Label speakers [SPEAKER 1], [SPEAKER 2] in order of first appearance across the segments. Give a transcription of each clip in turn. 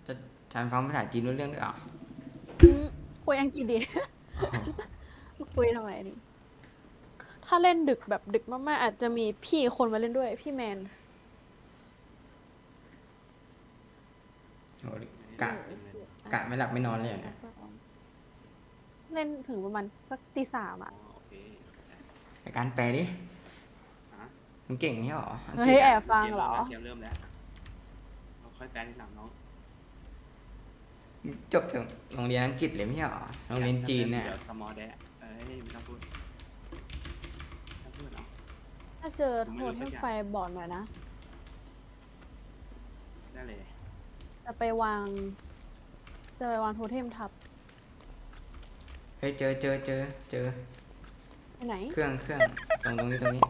[SPEAKER 1] จะฉันฟังภาษาจีนรู้เรื่องด้วยเหรอ
[SPEAKER 2] อืมคุยอังกฤษดี
[SPEAKER 1] อ๋อ
[SPEAKER 2] คุยทำไมนี่ถ้าเล่นดึกแบบดึกมากๆอาจจะมีพี่คนมาเล่นด้วยพี่แมน
[SPEAKER 1] โหกะกะไม่หลับไม่นอนเลยอะเนี่ย
[SPEAKER 2] เล่นถึงประมาณสักตี 3อ่ะ
[SPEAKER 3] โอเค
[SPEAKER 1] ในการแปลดิ
[SPEAKER 3] ฮะ
[SPEAKER 1] มึงเก่งนี่หรออังกฤ
[SPEAKER 2] เฮ้ยแอ
[SPEAKER 1] ษอะ
[SPEAKER 2] บฟังเหรอ
[SPEAKER 3] เกมเริ่มแล้วเราค่อยแปลทีหลังน้อง
[SPEAKER 1] จบถึงโรงเรียนอังกฤษเลยไม่ใช่หรอโรงเรียนจีนเนี่ย
[SPEAKER 3] เดี๋ยวสมอลแดะเอ้ยไม่ต้องพูดไม่ต้องพูดเนาะ
[SPEAKER 2] ถ้าเจอโทษให้ไฟบอกหน่อยนะ
[SPEAKER 3] ได้เลย
[SPEAKER 2] จะไปวางโทเทมทับ
[SPEAKER 1] เฮ้ยเจอ
[SPEAKER 2] ไปไหน
[SPEAKER 1] เครื่องตรงนี้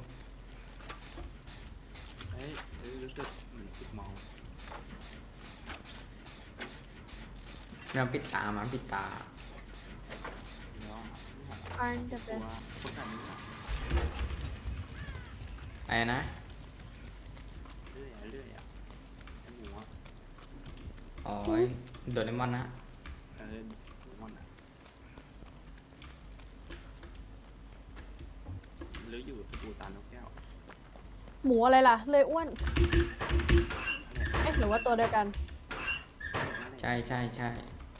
[SPEAKER 3] เฮ้ยรู้สึกเหมือนติดมอง
[SPEAKER 1] เราปิดตามาปิดตา
[SPEAKER 3] เดี๋ยว
[SPEAKER 2] อันจะ
[SPEAKER 3] ตั
[SPEAKER 2] เป็น
[SPEAKER 3] วคนแบบนี้
[SPEAKER 1] อะไรนะ
[SPEAKER 3] เรื่อยอ่ะไอหมูอ่ะ
[SPEAKER 1] อ๋อโดเรมอนนะ
[SPEAKER 3] หมูมันอ่ะหรืออยู่สตูตานนกแก้ว
[SPEAKER 2] หมูอะไรล่ะ เลยอ้วน เอ๊ะหรือว่าตัวเดียวกัน
[SPEAKER 1] ใช่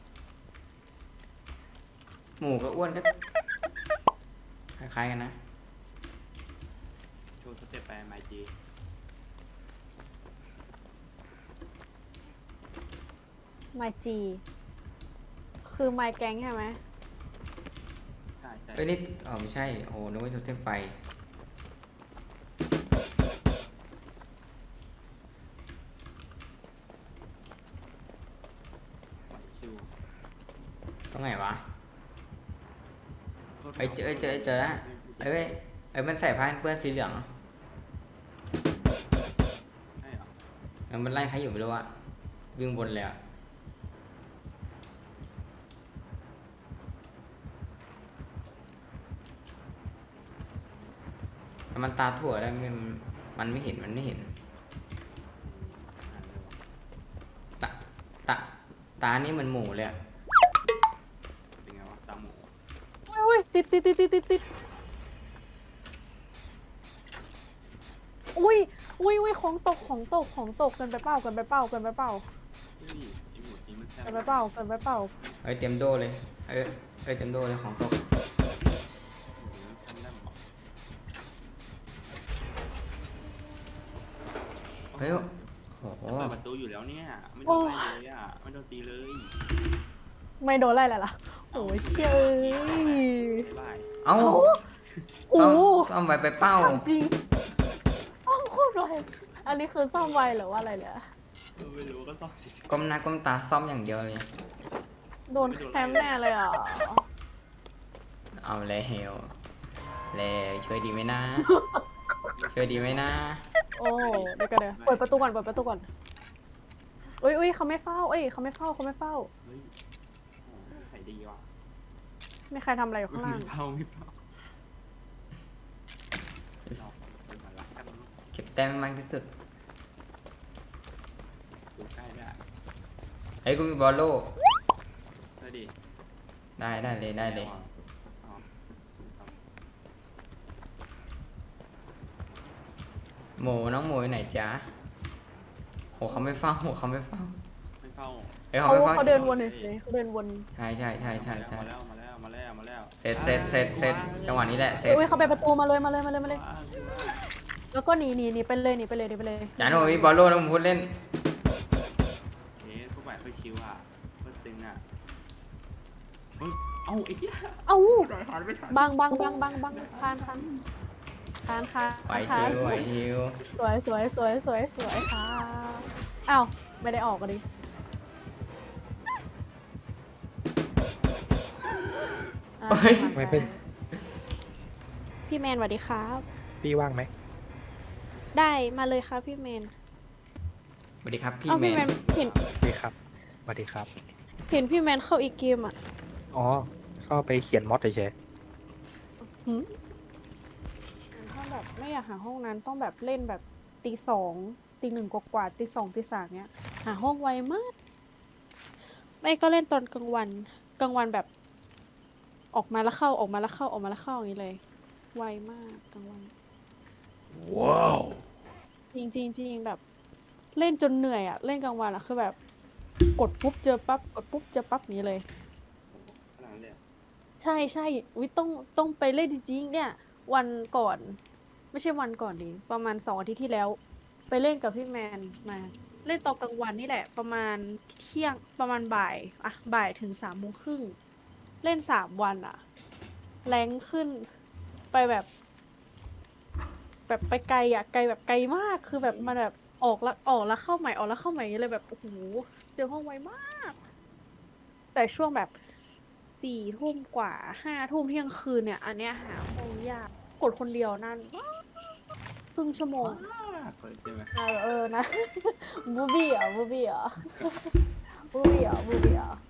[SPEAKER 1] หมูกับอ้วนก็คล้ายๆกันนะ
[SPEAKER 3] โชว์สเต็ปไปไมจี
[SPEAKER 2] ไมจีคือไมแกงใช่ไหม
[SPEAKER 3] ใช่
[SPEAKER 1] เอ้ยนี่อ๋อไม่ใช่โอ้โหนึกว่าโทเทมไฟ
[SPEAKER 3] ไหวชิว
[SPEAKER 1] ตรงไหนวะเอ้ยเจอแล้วมันใส่ผ้าเปื้อนสีเหลือง
[SPEAKER 3] ใช่เหรอ
[SPEAKER 1] แล้วมันไล่ใครอยู่ไม่รู้อะวิ่งบนเลยอะแล้วมันตาถั่วได้มันไม่เห็นตาตาตานี่มันหมูเลยอะ
[SPEAKER 3] เป็นไงวะตาหมู
[SPEAKER 2] อุ้ยติดอุ้ยของตกเกินไปเปล่า
[SPEAKER 3] เฮ้ยไอหมูนี้มันแซ่บ
[SPEAKER 2] เปล่า
[SPEAKER 1] เอ้ยเตรียมโดเลยเอ้ยเตรียมโดเลยของตก เฮ้ยโอ้โห
[SPEAKER 3] จะเปิดประตูอยู่แล้วเนี่ย ไม่โดนอะไรเลยอ่ะ ไม่โดนตีเลย
[SPEAKER 2] ไม่โดนไล่เลยล่ะโอ้ยเชี่ยเอ้ย
[SPEAKER 3] บ๊ายบาย
[SPEAKER 1] เอ้า
[SPEAKER 2] โอ้
[SPEAKER 1] ซ่อมไว้ไปเป้า
[SPEAKER 2] จริงซ่อมโคตรไวอันนี้คือซ่อมไวหรือว่าอะไรเนี่ย
[SPEAKER 3] ไม่รู้ก็ต้องสิ
[SPEAKER 1] ก้มหน้าก้มตาซ่อมอย่างเดียวเลย
[SPEAKER 2] โดนแคมแน่เลยอ่ะ
[SPEAKER 1] เอาแล้วช่วยดีไหมนะช่วยดีไหมนะ
[SPEAKER 2] โอ้เดี๋ยวเปิดประตูก่อนอุ้ยเขาไม่เฝ้าเขาไม่เฝ้า
[SPEAKER 3] เฮ้ยโอ้ใส่ดีว่ะ
[SPEAKER 2] ไม่ใครทำอะไรอยู่ข้างล่าง
[SPEAKER 3] ไม่เผาเราเป็นหมาลักกัน
[SPEAKER 1] เก็บแต้มให้มากที่สุด
[SPEAKER 3] ดูใกล้ได้
[SPEAKER 1] เฮ้ยกูมีบอลโล่
[SPEAKER 3] เฮ้ยดิ
[SPEAKER 1] ได้เลยหมูน้องหมูอยู่ไหนจ๊ะโหเขาไม่เฝ้า
[SPEAKER 3] ไม่เฝ้า
[SPEAKER 1] เอ้ยเขาไม่เฝ้า
[SPEAKER 2] เขาเดินวนเฉยเขาเดินวน
[SPEAKER 1] ใช่
[SPEAKER 3] มาแล้ว
[SPEAKER 1] เสร็จจังหวะนี้แหละเสร็จ
[SPEAKER 2] อุ้ยเขาไปประตูมาเลยแล้วก็หนีไปเลย
[SPEAKER 1] จานโอ้ยบอลโล่นะผมพูดเล่น
[SPEAKER 3] เอ๊ะพวกแบบค่อยชิวอ่ะเพื่อตึงอ่ะเฮ้ยเอ้าไอ้เหี้ย
[SPEAKER 2] เอ้า
[SPEAKER 3] หันไม่ทัน
[SPEAKER 2] บังคาน
[SPEAKER 1] ไหวชิว
[SPEAKER 2] สวยค่ะอ้าวไม่ได้ออกกันดิ
[SPEAKER 1] เฮ้ย
[SPEAKER 4] ไม่เป็น
[SPEAKER 2] พี่แมนสวัสดีครับ
[SPEAKER 4] พี่ว่างไหม
[SPEAKER 2] ได้มาเลยครับพี่แมน
[SPEAKER 1] สวัสดีครับพี่
[SPEAKER 2] เอ้า
[SPEAKER 1] แม
[SPEAKER 2] พี่แม
[SPEAKER 1] น
[SPEAKER 2] นเห็น
[SPEAKER 4] สวัสดีครับสวัสดีครับ
[SPEAKER 2] พี่แมนเข้าอีกเกมอ่ะ
[SPEAKER 4] อ๋อ เข้าไปเขียนมอดเฉย
[SPEAKER 2] หืมถ้าแบบไม่อยากหาห้องนั้นต้องแบบเล่นแบบตี 2 ตี 1กว่าตี 2 ตี 3เนี้ยหาห้องไวมากไม่ก็เล่นตอนกลางวันกลางวันแบบออกมาแล้วเข้าออกมาแล้วเข้าออกมาแล้วเข้าอย่างนี้เลยไวมากกลางวัน
[SPEAKER 3] ว้าว
[SPEAKER 2] จริงจริงจริงแบบเล่นจนเหนื่อยอ่ะเล่นกลางวันอ่ะคือแบบกดปุ๊บเจอปั๊บกดปุ๊บเจอปั๊บอย่างนี้เลย
[SPEAKER 3] ขนาดนั้นเลยอะ
[SPEAKER 2] ใช่ใช่วิต้องไปเล่นจริงๆเนี่ย วันก่อน ไม่ใช่วันก่อนดิประมาณ2 อาทิตย์ที่แล้ว ไปเล่นกับพี่แมนมา เล่นตอนกลางวันนี่แหละ ประมาณเที่ยงประมาณบ่ายอะบ่ายถึง3 โมงครึ่งเล่น3 วันอะแรงขึ้นไปแบบไปไกลอะไกลแบบไกลมากคือแบบมันแบบออกแล้วเข้าใหม่ออกแล้วเข้าใหม่อย่างเงี้ยเลยแบบโอ้โหเจอห้องไวมาก แต่ช่วงแบบ4 ทุ่มกว่า5 ทุ่มเที่ยงคืนเนี่ย อันเนี้ยหาห้องยากกดคนเดียวนานมากครึ่งชั่วโมง
[SPEAKER 3] มากเลยใช่ไหม
[SPEAKER 2] นะ บูบี้เหรอบูบี้เหรอบูบี้เหรอบูบี้เหรอ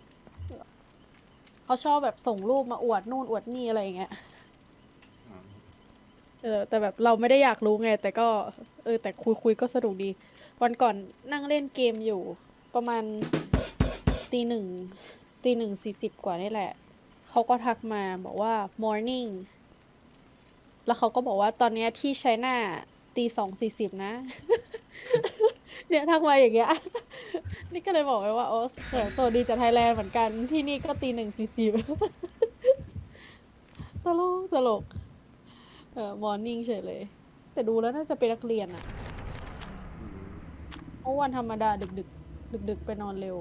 [SPEAKER 2] เขาชอบแบบส่งรูปมาอวดนู่นอวดนี่อะไรอย่างเงี้ย
[SPEAKER 3] อืม
[SPEAKER 2] แต่แบบเราไม่ได้อยากรู้ไง แต่ก็แต่คุยก็สนุกดี วันก่อนนั่งเล่นเกมอยู่ ประมาณตี 1ตี 1:40กว่านี่แหละ เขาก็ทักมาบอกว่า morning แล้วเขาก็บอกว่าตอนเนี้ยที่ไชน่าตี 2:40นะ เนี่ยทักมาอย่างเงี้ย นี่ก็เลยบอกไปว่าโอ้สวัสดีจากไทยแลนด์เหมือนกันที่นี่ก็ตี 1:40 ตลกตลกมอร์นิ่งเฉยเลย แต่ดูแล้วน่าจะเป็นนักเรียนอะ
[SPEAKER 3] อืม
[SPEAKER 2] เพราะวันธรรมดาดึกดึกดึกดึกๆไปนอนเร็ว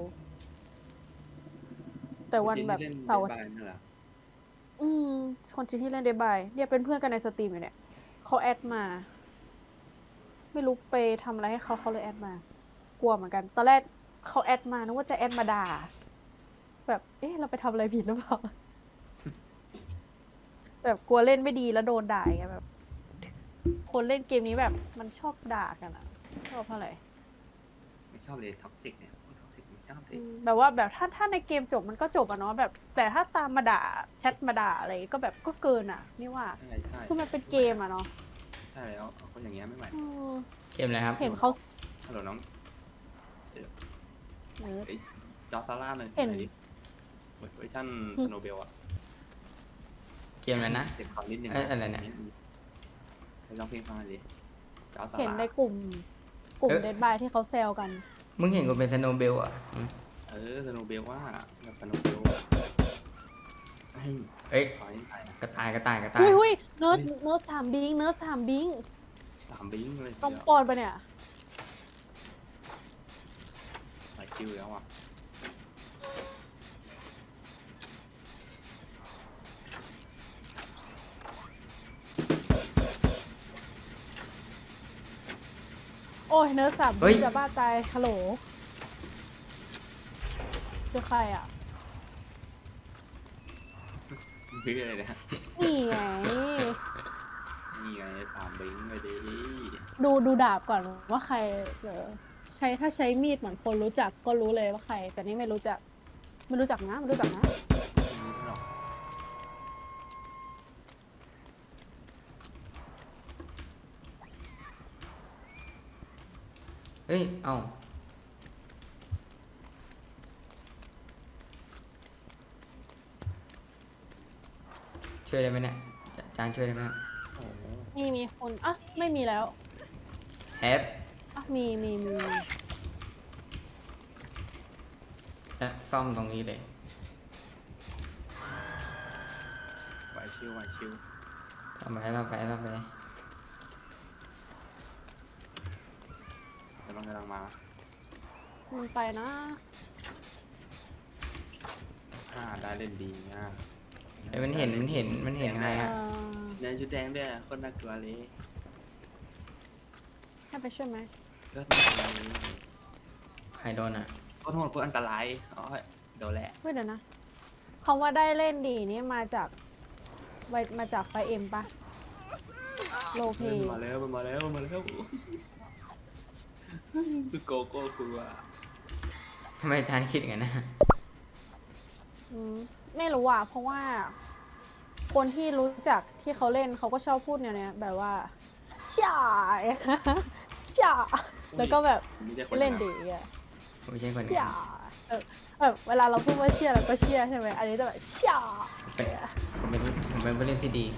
[SPEAKER 2] แต่วันแบบ
[SPEAKER 3] จริงๆที่เล่น
[SPEAKER 2] เสาร์
[SPEAKER 3] Dead by นั่นแหละ
[SPEAKER 2] คนจีนที่เล่นเดบายเนี่ยเป็นเพื่อนกันในสตรีมอยู่เนี่ยเขาแอดมา ไม่รู้ไปทำอะไรให้เขาเลยแอดมา กลัวเหมือนกัน ตอนแรกเขาแอดมานึกว่าจะแอดมาด่า แบบเอ๊ะเราไปทำอะไรผิดหรือเปล่า แบบกลัวเล่นไม่ดีแล้วโดนด่าไงแบบ คนเล่นเกมนี้แบบมันชอบด่ากันอะชอบอะไร
[SPEAKER 3] ไม่ชอบเลยท็อกซิกเนี่ยท็อกซิกไม่ชอบเลย
[SPEAKER 2] แบบว่าแบบถ้าในเกมจบมันก็จบอะเนาะแบบ แต่ถ้าตามมาด่าแชทมาด่าอะไรก็แบบก็เกินอะนี่ว่า
[SPEAKER 3] ใช่ใช่
[SPEAKER 2] คือมันเป็นเกมอะเนาะ
[SPEAKER 3] ใช่แล้วเอาคนอย่างเงี้ยไม่ไหว
[SPEAKER 2] อืม
[SPEAKER 1] เกมอะไรครับ
[SPEAKER 2] เห็นเขา
[SPEAKER 3] ฮัลโหลน้อง
[SPEAKER 2] เออ
[SPEAKER 3] จอซาร่าเลย
[SPEAKER 2] เห็น
[SPEAKER 3] ไหนดิเวอร์ชันสโนเบลอะ
[SPEAKER 1] เกมอะไรนะ
[SPEAKER 3] เจ็บคอนิดนึง
[SPEAKER 1] อะไรเนี่ย
[SPEAKER 3] ไปลองเพลงฟังหน่อยดิจอซา
[SPEAKER 2] เห็น
[SPEAKER 3] ร่า
[SPEAKER 2] ในกลุ่มเดดบายที่เขาแซวกัน
[SPEAKER 1] มึงเห็นกูเป็นสโนว์เบลอ่ะอืม
[SPEAKER 3] สโนเบลว่าแบบสโนเบลอะเฮ้ย
[SPEAKER 1] เอ้ย
[SPEAKER 3] ขอให้ถ่ายนะ
[SPEAKER 1] กระต่ายกระต่ายกระต่าย
[SPEAKER 2] หุ้ยเนิร์ดถามบิง
[SPEAKER 3] 3 บิงเลยที
[SPEAKER 2] ต้อง
[SPEAKER 3] เดียว
[SPEAKER 2] ปอนไปะเนี่ย
[SPEAKER 3] หลายคิวแล้วอ่ะ
[SPEAKER 2] โอ้ยเนิร์ดถาม
[SPEAKER 1] เฮ้
[SPEAKER 2] บิ
[SPEAKER 1] ย
[SPEAKER 2] งจะบ้าตายฮัลโหลเจอใครอ่ะ
[SPEAKER 3] เพื่ออะไรนะ
[SPEAKER 2] นี่ไง
[SPEAKER 3] นี่ไง3 บิงไปดิ
[SPEAKER 2] ดูดาบก่อนว่าใครถ้าใช้มีดเหมือนคนรู้จักก็รู้เลยว่าใคร แต่นี่ไม่รู้จักนะไม่รู้จักนะ
[SPEAKER 3] ไม่รู้หรอก
[SPEAKER 1] เฮ้ย เอ้าช่วยได้ไหมเนี่ยจานช่วยได้ไหมครับ
[SPEAKER 3] โอ้โห
[SPEAKER 2] มีคนอ่ะไม่มีแล้ว
[SPEAKER 1] แอป
[SPEAKER 2] อ่ะมี
[SPEAKER 1] และซ่อมตรงนี้เลย
[SPEAKER 3] ไหวชิวไหวชิว
[SPEAKER 1] ทำไปทำไปทำไป
[SPEAKER 3] กำลังมา
[SPEAKER 2] มันไปนะ
[SPEAKER 3] ได้เล่นดีนะ
[SPEAKER 1] เอ้ยมันเห็นใคร
[SPEAKER 2] เอ
[SPEAKER 1] อ่ะ
[SPEAKER 2] อ
[SPEAKER 3] ในชุดแดงด้วยคนน่ากลัวเลย
[SPEAKER 2] ให้ไปช่วยไหม
[SPEAKER 3] ก็น่ากลัวเลย
[SPEAKER 1] ใครโดนอ่ะ
[SPEAKER 3] ก็โทษคนอันตรายอ๋อโดนแหละ
[SPEAKER 2] เฮ้ยเดี๋ยวนะคำว่าได้เล่นดีนี่มาจากไฟเอ็มปะโลเพ
[SPEAKER 3] มันมาแล้วคือโกโก้กลัว
[SPEAKER 1] ทำไมจานคิดอย่างนั้นนะ
[SPEAKER 2] ไม่รู้อ่ะเพราะว่า คนที่รู้จักที่เขาเล่นเขาก็ชอบพูดแนวเนี้ยแบบว่าช่า ช่าแล้วก็แบบ
[SPEAKER 3] ไม่ใช่คน
[SPEAKER 2] เล่นดีอ่ะ
[SPEAKER 1] ไม่ใช่คน
[SPEAKER 2] ช่าแบบเวลาเราพูดว่าเชี่ยเราก็เชี่ยใช่ไหมอันนี้จะแบบเชี่ย
[SPEAKER 1] ผมเป็นผู้เล่นที่ดี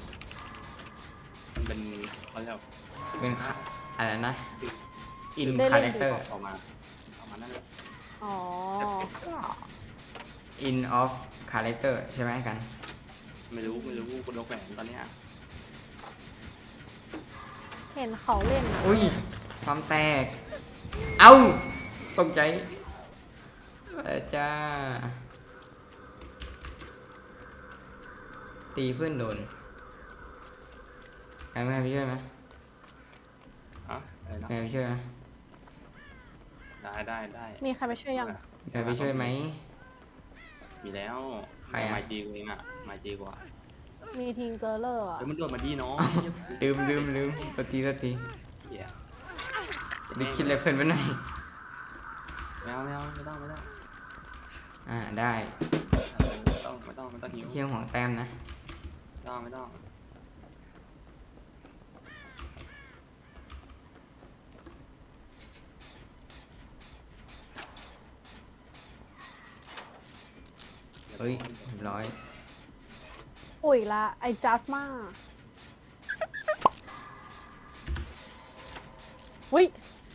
[SPEAKER 3] มันเป็นเขาเรียก
[SPEAKER 1] เป็นอะไรนะ อิน
[SPEAKER 2] ได้
[SPEAKER 1] คา
[SPEAKER 2] เล่
[SPEAKER 1] แร
[SPEAKER 2] น
[SPEAKER 1] คเตอร์
[SPEAKER 3] ออกมานั่นแหละ
[SPEAKER 2] อ๋อ
[SPEAKER 1] อินออฟคาแรคเตอร์ใช่ไหมกัน
[SPEAKER 3] ไม่รู้คุณนกแหวนตอนเนี้ย
[SPEAKER 2] เห็นเขาเล่นอ่ะ
[SPEAKER 1] อุ้ยความแตก เอ้าตกใจจ้า ตีเพื่อนโดนใครไม่ให้ไปช่วยไหม
[SPEAKER 3] อะอะไรนะ
[SPEAKER 1] ใครไปช่วยไหม
[SPEAKER 3] ได้
[SPEAKER 2] มีใครไปช่วยยัง
[SPEAKER 1] ใครไปช่วยไหม
[SPEAKER 3] มีแล้ว
[SPEAKER 1] ใครอะ
[SPEAKER 3] มาจีกูเองอ่ะมาจีกว่า
[SPEAKER 2] มีทีมเกอร์เลอร์อ่ะ
[SPEAKER 3] เฮ้ยมันโดดมาดีน้อง
[SPEAKER 1] ลืมสตี
[SPEAKER 3] เหี้ย
[SPEAKER 1] ไปคิดอะไรเพื่อนไว้หน่อย
[SPEAKER 3] ไม่ต้อง
[SPEAKER 1] ได้
[SPEAKER 3] ไม่ต้องหิว
[SPEAKER 1] เชี่ยงของแต้มนะ
[SPEAKER 3] ไม่ต้อง
[SPEAKER 1] เฮ้ยเรียบร้อย
[SPEAKER 2] ปุ๋ยละไอจัสมาวิ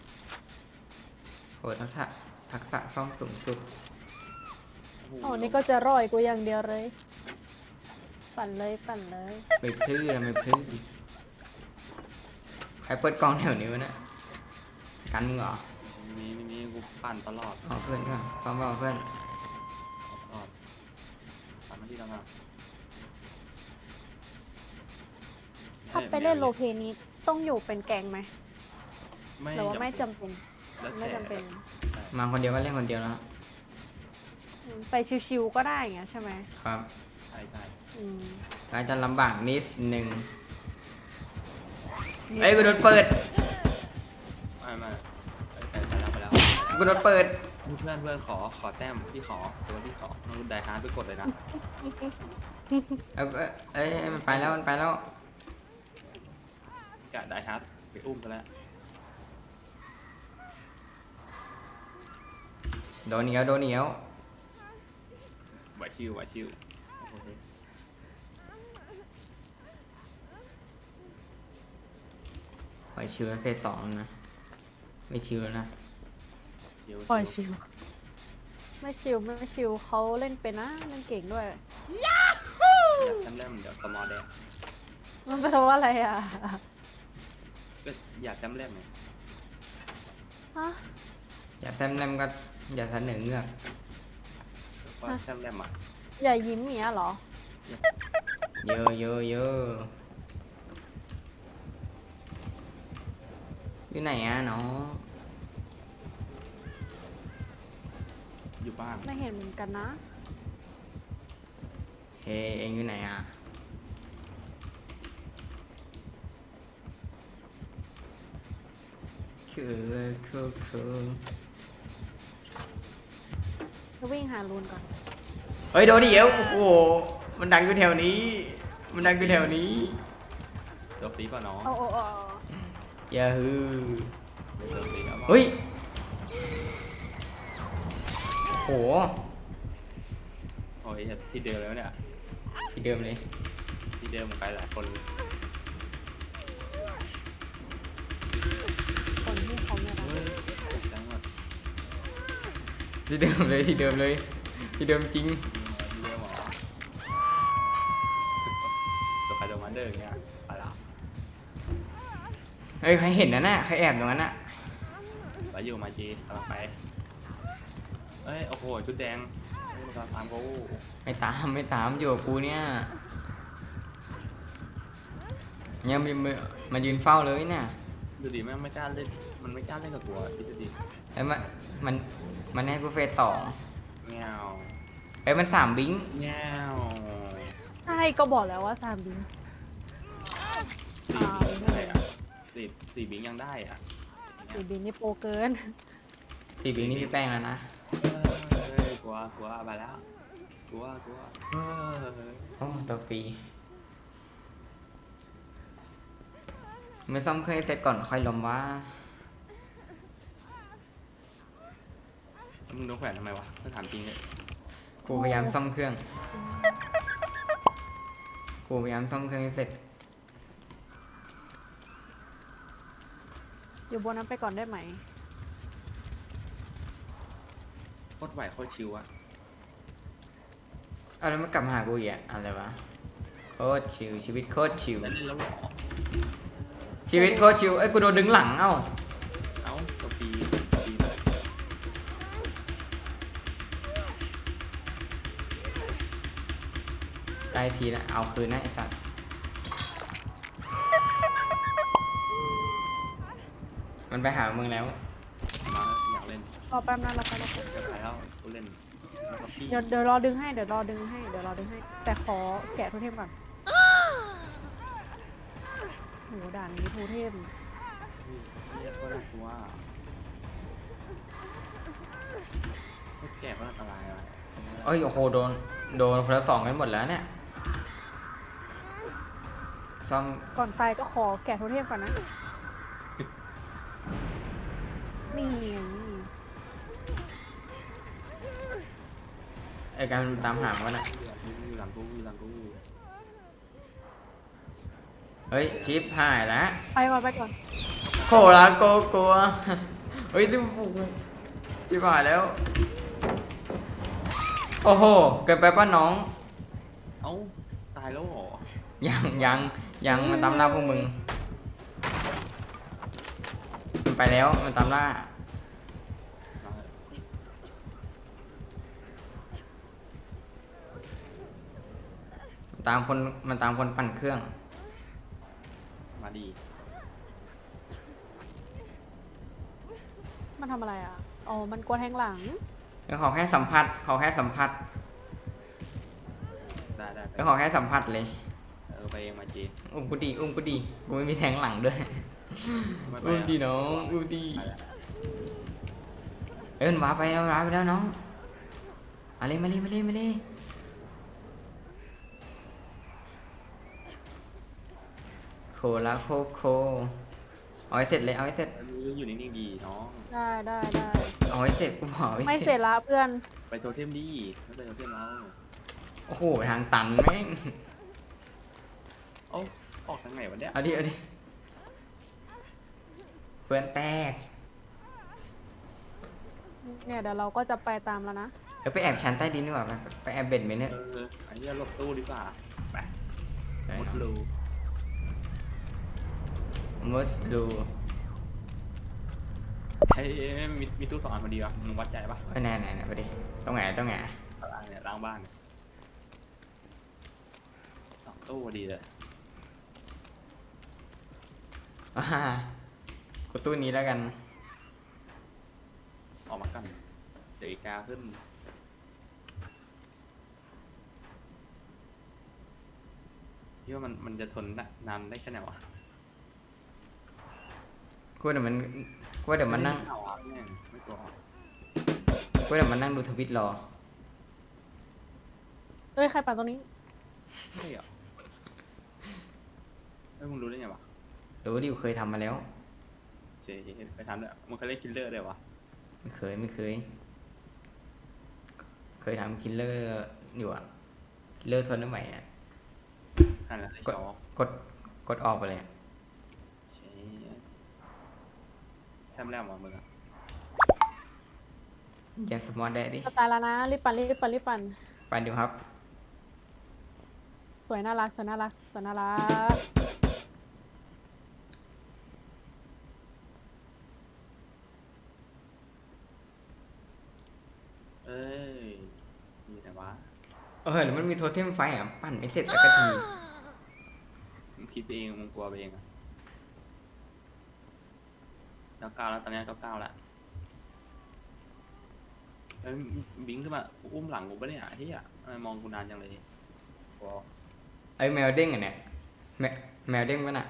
[SPEAKER 1] โหทักษะซ่อมสูงสุด
[SPEAKER 2] โอ้นี่ก็จะร่อยกูอย่างเดียวเลย ปั่นเลย
[SPEAKER 1] ไปพลื้อไม่พลื้อใครเปิดกล้องแถวนี้วะเนี่ยกันมึงเหรอ
[SPEAKER 3] มีกูปั่นตลอด
[SPEAKER 1] อ๋อเพื่อนซ้อมเปล่าเพื่อน
[SPEAKER 3] ปั่นมาที่เราอะ
[SPEAKER 2] ถ้าไปเล่นโลเพนี้ต้องอยู่เป็นแกงไหม
[SPEAKER 3] ไม่
[SPEAKER 2] หรือว่าไม่จำเป็น
[SPEAKER 3] แล้ว
[SPEAKER 2] ไม่จำเป็น
[SPEAKER 1] มาคนเดียวก็เล่นคนเดียวแล้ว
[SPEAKER 2] ไปชิวๆก็ได้อย่างเงี้ยใช่ไหม
[SPEAKER 1] ครับ
[SPEAKER 3] ใช่
[SPEAKER 2] อืม
[SPEAKER 1] ก็จะลำบากนิดหนึ่งเอ้ยกูโดนเปิด
[SPEAKER 3] ไม่ไปแล้ว
[SPEAKER 1] กูโดนเปิด
[SPEAKER 3] เพื่อนขอแต้มพี่ขอตัวที่ขอมึงไดฮาร์ดไปกดเลยนะ
[SPEAKER 1] เอ้ยมันไปแล้ว
[SPEAKER 3] กะไดฮาร์ดไปอุ้มกันแล้ว
[SPEAKER 1] โดนเหนียว
[SPEAKER 3] ไหวชิวโอเค
[SPEAKER 1] ปล่อยชิวแล้วเฟส2แล้วนะ ไม่ชิวแล้วนะ
[SPEAKER 2] ปล่อยชิว ไม่ชิวเขาเล่นเป็นนะเล่นเก่งด้วย
[SPEAKER 3] อยากจำเล่มเดี๋ยวสมอแดง
[SPEAKER 2] มันแปลว่าอะไรอ่ะ
[SPEAKER 3] ก็อยากจำเล่มไง
[SPEAKER 2] ฮะ
[SPEAKER 1] อย่าแซมแนมก็อย่าเสนอเงือก
[SPEAKER 3] ก็จำเล่มอ่ะ
[SPEAKER 2] อย่ายิ้มอย่างเงี้ยเหรอ
[SPEAKER 1] เยอะอยู่ไหนอ่ะน้อง
[SPEAKER 3] อยู่บ้าน
[SPEAKER 2] ไม่เห็นเหมือนกันนะ
[SPEAKER 1] เฮ้เองอยู่ไหนอ่ะคือ
[SPEAKER 2] จะวิ่งหารูนก่อน
[SPEAKER 1] เฮ้ยโดนเดียวโอ้โหมันดังอยู่แถวนี้
[SPEAKER 3] ตัวฟรีป่ะน้อง
[SPEAKER 2] โอ้
[SPEAKER 1] อย่าฮือ
[SPEAKER 3] ตัวฟรีแล้ว
[SPEAKER 1] เฮ้ยโห
[SPEAKER 3] โอ้ยที่เดิมแล้วเนี่ย
[SPEAKER 1] ที่เดิมเลย
[SPEAKER 3] ที่เดิมไปหลายคน
[SPEAKER 2] คนที่เขาไม่รัก
[SPEAKER 3] เฮ้ยจังหวะ
[SPEAKER 1] ที่เดิมเลยที่เดิมจริง
[SPEAKER 3] ที่เดิมหรอตัวใครตัวมันเดิมอย่างเงี้ยไปละ
[SPEAKER 1] เฮ้ยใครเห็นนะน่ะใครแอบตรงนั้นน่ะ
[SPEAKER 3] ไปอยู่มาจีกำลังไปเอ้ยโอ้โหชุดแดงมันกำลังตามกู
[SPEAKER 1] ไม่ตามอยู่กับกูเนี่ยมายืนเฝ้าเลยเนี่ย
[SPEAKER 3] ดูดิแม่งไม่กล้าเล่นมันไม่กล้าเล่นกับกูอ่ะคิดดูดิ
[SPEAKER 1] แล้วมันให้กูเฟส2
[SPEAKER 3] เงี้ยว
[SPEAKER 1] เอ้ยมัน3 บิง
[SPEAKER 3] เงี้ยว
[SPEAKER 2] ใช่ก็บอกแล้วว่าซามบิน
[SPEAKER 3] สี่บิงได้อ่ะสี่บิงยังได้อ่ะ
[SPEAKER 2] สีบินนี่โปรเกิน
[SPEAKER 1] 4 บิงนี่พี่แป้งแล้วนะ
[SPEAKER 3] เฮ้ยกลัวไปแล้วกลัวเฮ้ย
[SPEAKER 1] โอ้ตัวฟรีไม่ซ่อมเครื่องให้เสร็จก่อนค่อยลมว่า
[SPEAKER 3] มึงโดนแขวนทำไมวะถ้าถามจริงเลย
[SPEAKER 1] กูพยายามซ่อมเครื่อง กูพยายามซ่อมเครื่องให้เสร็จ
[SPEAKER 2] อยู่บนนั้นไปก่อนได้ไหม
[SPEAKER 3] โคตรไหวโคตรชิวอะ
[SPEAKER 1] เอาแล้วมันกลับมาหากูอีกอะอะไรวะ โคตรชิวชีวิตโคตรชิว
[SPEAKER 3] แล้วเล่นแล้วเหรอ
[SPEAKER 1] ชีวิตโคตรชิวเอ้ยกูโดนดึงหลังเอ้า
[SPEAKER 3] เอ้าตัวปีปี
[SPEAKER 1] ได้ทีละเอาคืนนะไอ้สัตว์มันไปหามึงแล้ว
[SPEAKER 3] มาอยากเล่น
[SPEAKER 2] รอแป๊บนะรอแป๊บ
[SPEAKER 3] จะไปแล้วกูเล่นแล้วก็พี่
[SPEAKER 2] เดี๋ยวรอดึงให้เดี๋ยวรอดึงให้แต่ขอแกะโทเทมก่อนโหด่านนี้โทเทม
[SPEAKER 3] เรียกว่าน่ากลัวไม่แก่ก็อันตรายอะไร
[SPEAKER 1] เอ้ยโอ้โหโดนคนละสองกันหมดแล้วเนี่ยซ่อม
[SPEAKER 2] ก่อนไปก็ขอแกะโทเทมก่อนนะนี่ไง
[SPEAKER 1] ไอ้การตามหามันอะ
[SPEAKER 3] อยู่หลังกูอยู่หลังกู
[SPEAKER 1] เฮ้ยชิปหายแล้ว
[SPEAKER 2] ไปก่อน
[SPEAKER 1] โคลาโกกลัวเฮ้ยที่ชิปหายแล้ว โอ้โหเกิดไปป้าน้อง
[SPEAKER 3] เอ้าตายแล้วเหรอ
[SPEAKER 1] ยังมันตามล่าพวกมึงมันไปแล้วมันตามล่ามันตามคนปั่นเครื่อง
[SPEAKER 3] มาดี
[SPEAKER 2] มันทำอะไรอ่ะอ๋อมันกลัวแทงหลัง
[SPEAKER 1] แล้วขอแค่สัมผัส
[SPEAKER 3] ได้ได้
[SPEAKER 1] แล้วขอแค่สัมผัสเลย
[SPEAKER 3] ไปเองมาจี
[SPEAKER 1] อุ้มกูดีกูไม่มีแทงหลังด้วย
[SPEAKER 3] ไม่ไป
[SPEAKER 1] อุ้มดีน้องอุ้มดีเอ้ยมันว้าไปแล้วน้องมาเลยโคลาโคเอาให้เสร็จเลยเอาให้เสร็จ
[SPEAKER 3] อยู่นิ่งๆดีน้อง
[SPEAKER 2] ได้
[SPEAKER 1] เอาให้เสร็จกูบอก
[SPEAKER 2] ไม่เสร็จละเพื่อน
[SPEAKER 3] ไปโทเทมดีไม่ไปโทเทมเรา
[SPEAKER 1] โอ้โหทางตันแม่ง
[SPEAKER 3] เอ้าออกทางไหนวะเนี่ย
[SPEAKER 1] เอาดิเพื่อนแตก
[SPEAKER 2] เนี่ยเดี๋ยวเราก็จะไปตามแล้วนะ
[SPEAKER 1] เดี๋ยวไปแอบชั้นใต้ดินดีกว่าไปแอบเบ็ดไหมเนี่ย
[SPEAKER 3] ไอ้เนี่ยหลบตู้ดีกว่าไป
[SPEAKER 1] ได้
[SPEAKER 3] หมด
[SPEAKER 1] เนาะ
[SPEAKER 3] รู
[SPEAKER 1] มุสดู
[SPEAKER 3] เฮ้ยมีตู้2 อันพอดีวะมึงวัดใจปะ
[SPEAKER 1] ไปไหนไปดิต้องไง
[SPEAKER 3] ล้างเนี่ยล้างบ้านเนี่ย2 ตู้พอดีเลย
[SPEAKER 1] กูตู้นี้แล้วกัน
[SPEAKER 3] ออกมากันเดี๋ยวอีกาขึ้นพี่ว่ามันจะทนนานได้แค่ไหนวะ
[SPEAKER 1] กูเดี๋ยวมันนั่ง
[SPEAKER 3] เอาอ่ะแม่งไม่กลัว
[SPEAKER 1] กูเดี๋ยวมันนั่งดูทวิตรอ
[SPEAKER 2] เอ้ยใครปั่นตรงนี้
[SPEAKER 3] ไม่เหรอมึงรู้ได้ไงวะ
[SPEAKER 1] รู้ดิเคยทำมาแล้ว
[SPEAKER 3] เจ๊ไปทำด้วยมึงเคยเล่นคิลเลอร์ด้วยวะ
[SPEAKER 1] ไม่เคยทำคิลเลอร์อยู่อะคิลเลอร์ทนได้ไหมอะ
[SPEAKER 3] นั่นแหละไอ้
[SPEAKER 1] กด
[SPEAKER 3] ชอก
[SPEAKER 1] ดออกไปเลยอะ
[SPEAKER 3] เจ๊แซมแล้วมึงอะ
[SPEAKER 1] แกสมอลได้ดิ
[SPEAKER 2] จะตายแล้วนะรีบปั่น
[SPEAKER 1] ไปดูครับ
[SPEAKER 2] สวยน่ารัก
[SPEAKER 3] เอ้ยมีแต่วะ
[SPEAKER 1] หรือมันมีโทเทมไฟอ่ะปั่นไม่เสร็จสักที
[SPEAKER 3] มึงคิดไปเองมึงกลัวไปเองอะ99แล้วตอนนี้99แล้วเอ้ยบิงขึ้นมาอุ้มหลังกูปะเนี่ยเฮียทำไมมองกูนานจังเลยกลัว
[SPEAKER 1] ไอ้แมวเด้งอ่ะเนี่ยแมวเด้งวะน่ะ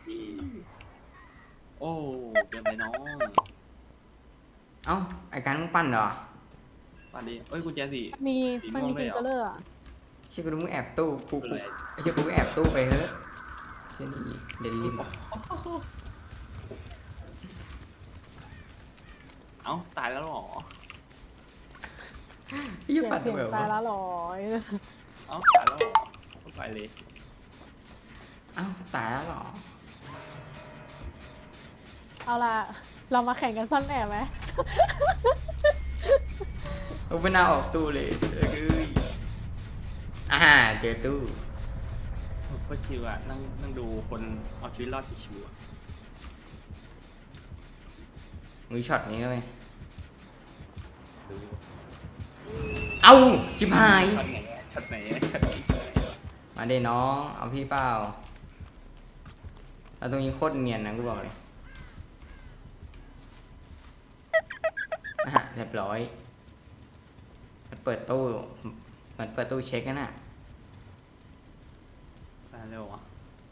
[SPEAKER 3] โอ้เกินไปน้อง
[SPEAKER 1] เอ้าไอ้การมึงปั่นเหรอ
[SPEAKER 3] ป่านดีเอ้ยกุญแจสี
[SPEAKER 2] มี มันมีคิงเกอร์เลอร์อะ
[SPEAKER 1] เชื่อกูดูมึงแอบตู้กู
[SPEAKER 3] คืออะไร
[SPEAKER 1] ไอ้เชื่อกูแอบตู้ไปเฮ้ยเชื่อนี่เดลิน
[SPEAKER 3] เอ้าตายแล้วเหรอ
[SPEAKER 1] ไอ้ยี่ปัด
[SPEAKER 2] เสียง
[SPEAKER 1] แบบ
[SPEAKER 2] ตาย
[SPEAKER 1] ว่า
[SPEAKER 2] แล้วเหรอ
[SPEAKER 3] เอ้าตายแล้วเหรอไปเลย
[SPEAKER 1] เอ้าตายแล้วเหรอ
[SPEAKER 2] เอาล่ะ เรามาแข่งกันซ่อนแอบไหม
[SPEAKER 1] เอาไม่น่าออกตู้เลยเอ้ยเจอตู้
[SPEAKER 3] โคตรชิวอ่ะนั่งดูคนเอาชีวิตรอดชิวๆอ่ะ
[SPEAKER 1] มือช็อตนี้เลย
[SPEAKER 3] ดู
[SPEAKER 1] เอ้าชิบหาย
[SPEAKER 3] ช็อตไหนช็อตไหน
[SPEAKER 1] มาเด้น้องเอาพี่เปล่าเอาตรงนี้โคตรเนียนนะกูบอกเลยเรียบร้อยมันเปิดตู้มันเปิดตู้เช็คกันน่ะ
[SPEAKER 3] ตายเร็วอ่ะ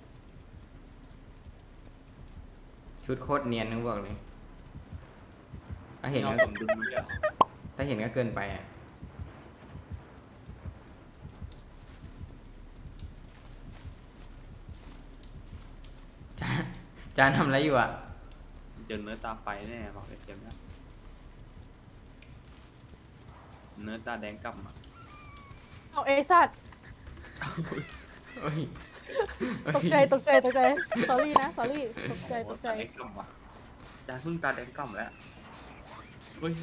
[SPEAKER 1] ชุดโคตรเนียนนะกูบอกเลยถ้าเห็น
[SPEAKER 3] เรา
[SPEAKER 1] ก็
[SPEAKER 3] สมดุลมันเดี๋ยว
[SPEAKER 1] ถ้าเห็นก็เกินไปอ่ะจานทำอะไรอยู่อ่ะ
[SPEAKER 3] เจอเนื้อตาไฟแน่บอกเลยเกมเนี้ยเนื้อตาแดงกำอ่ะ
[SPEAKER 2] เอาเอสัตว์
[SPEAKER 1] โอ้ย
[SPEAKER 2] ตกใจสอรี่นะสอรี่ตกใจ
[SPEAKER 3] ตาแดงกำอ่ะจานเพิ่งตาแดงกำแล้วเฮ้ย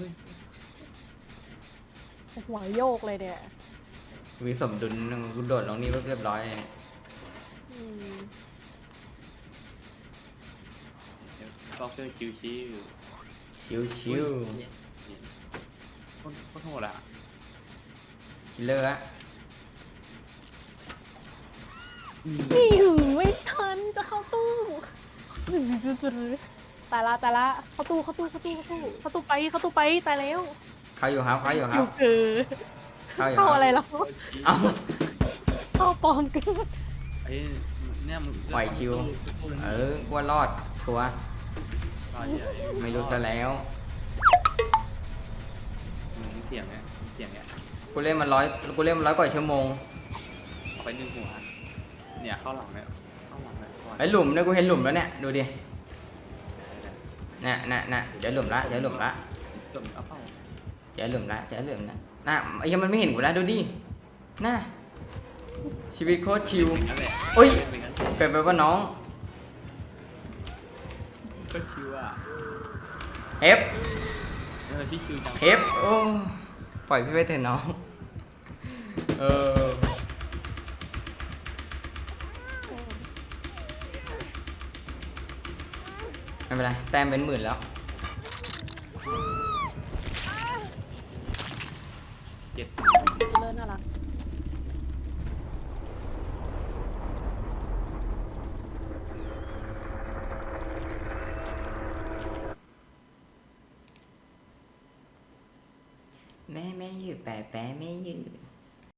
[SPEAKER 2] หัวโยกเลยเนี่ย
[SPEAKER 1] มีสมดุลกูโดดลงนี่เรียบร้อยเลย
[SPEAKER 2] อืม
[SPEAKER 3] ก็เพื่อชิว
[SPEAKER 1] ชิว
[SPEAKER 3] โคตรโหดอ่ะ
[SPEAKER 1] คิลเลอร์อะ
[SPEAKER 2] นี่หือไม่ทันจะเข้าตู้ตายละเข้าตู้ไปตายแล้ว
[SPEAKER 1] เข้าอยู่ครับ
[SPEAKER 2] อยู่เกิน
[SPEAKER 1] เข้าอยู่ครับ
[SPEAKER 2] เข้าอะไรแล้ว
[SPEAKER 1] เอ้า
[SPEAKER 2] เข้าปลอมเกิน
[SPEAKER 3] ไอ้เนี่ยมึง
[SPEAKER 1] ไหวชิว กลัวรอดทัวร์ไม่รู้ซะแล้ว
[SPEAKER 3] เสียงเนี่ย
[SPEAKER 1] กูเล่นมันร้อยกว่าชั่วโมง
[SPEAKER 3] ไปหนึ่งหัวเนี่ยเข้าหลังเนี่ย
[SPEAKER 1] ไอ้หลุมเนี่ยกูเห็นหลุมแล้วเนี่ยดูดิน่ะเจอหลุมละ
[SPEAKER 3] จมเอาเป้า
[SPEAKER 1] เจอหลุมละน่ะไอ้ยังมันไม่เห็นกูแล้วดูดิน่ะชีวิตโคตรชิว
[SPEAKER 3] นั่นแหละ
[SPEAKER 1] โอ้ย
[SPEAKER 3] เป็นงั้น
[SPEAKER 1] เกิดไปว่าน้อง
[SPEAKER 3] ก็ชิวอ่ะ
[SPEAKER 1] เอฟ
[SPEAKER 3] พี่ชิวจัง
[SPEAKER 1] โอ้ปล่อยพี่ไปเถอะน้องไม่เป็นไรแต้มเป็นหมื่นแล้ว
[SPEAKER 3] เจ็ด
[SPEAKER 2] เลิศน่ารัก
[SPEAKER 1] แม่อยู่แปะไม่อยู่